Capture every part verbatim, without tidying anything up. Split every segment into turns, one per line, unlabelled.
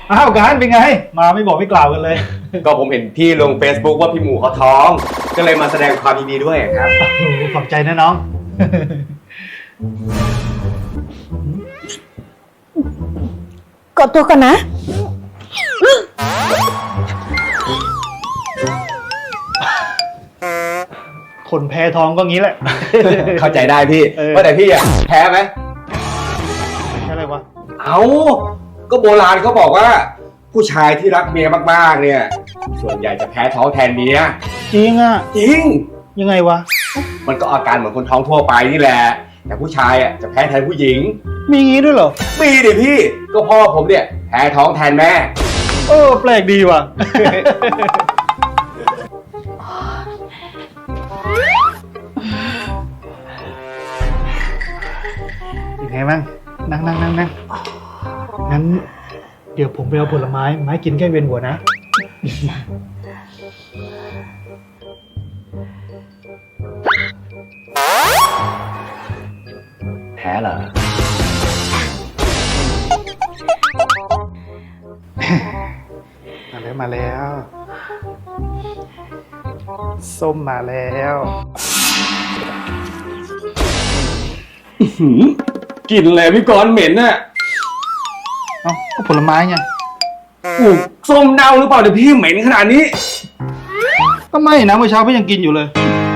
อ้าวการเป็นไงมาไม่บอกไม่กล่าวกันเลย
ก็ผมเห็นพี่ลง Facebook ว่าพี่หมูเขาท้อง ก็เลยมาแสดงความยินดีด้วยครับ
โอ้โหขอบใจนะน้อง
กดตัวก่อนนะ
คนแพ้ท้องก็งี้แหละ
เข้าใจได้พี่
เออ
ว่าแต่พี่อะแพ้ไหม
แค่อะไรวะ
เอาก็โบราณเขาบอกว่า ผู้ชายที่รักเมียมากๆเนี่ย ส่วนใหญ่จะแพ้ท้องแทนเมีย
จริงอ่ะ
จริง
ยังไงวะ
มันก็อาการเหมือนคนท้องทั่วไปนี่แหละ แต่ผู้ชายอ่ะจะแพ้แทนผู้หญิง
มีงี้ด้วยเหรอ
มีดิพี่ ก็พ่อผมเนี่ยแพ้ท้องแทนแม่
เออแปลกดีว่ะ ยังไงบ้างนั่งนั่งนั่งนั่งงั้น เดี๋ยวผมไปเอาผลไม้ไม้กินแก้เวียนหัวนะ
แพ้เหรอ
มาแล้วมาแล้ว ส้มมาแล้ว
กลิ่นเลยพี่กรณ์เหม็นน่ะ
เอ้าก็ผลไม้ไง
อู้ส้มเน่าหรือเปล่าเดี๋ยวพี่เหม็นขนาดนี้
ก็ไม่นะเมื่อเช้าพี่ยังกินอยู่เลย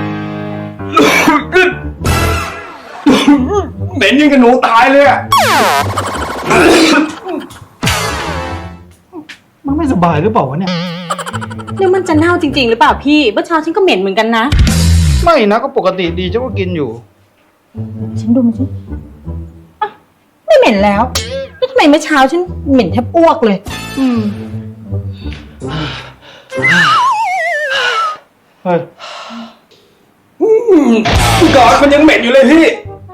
เหม็นยิ่งกับหนูตายเลยอะ
มันไม่สบายหรือเปล่าวะเนี่ย
หรือมันจะเน่าจริงๆหรือเปล่าพี่เมื่อเช้าฉันก็เหม็นเหมือนกันนะ
ไม่นะก็ปกติดีฉันก็กินอยู่
ฉันดูมันสิอ่ะไม่เหม็นแล้วแล้วทำไมเมื่อเช้าฉันเหม็นแทบอ้วกเลย อืม
เฮ้ย
พี่กรณ์มันยังเหม็นอยู่เลยพี่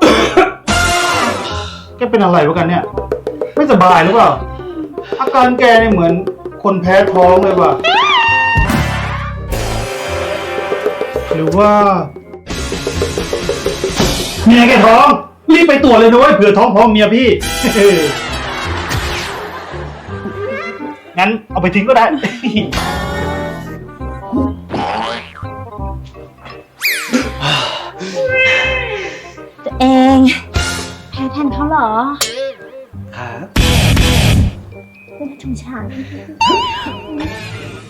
แกเป็นอะไรวะกันเนี่ย ไม่สบายหรือเปล่า อาการแกเนี่ยเหมือนคนแพ้ท้องเลยว่ะ หรือว่าเมียแกท้อง รีบไปตรวจเลยนะเว้ยเผื่อท้องพร้อมเมียพี่ งั้นเอาไปทิ้งก็ได้
ตัวเองแพ้แทนเขาเหรอ
ครับ
เป็นชงชาย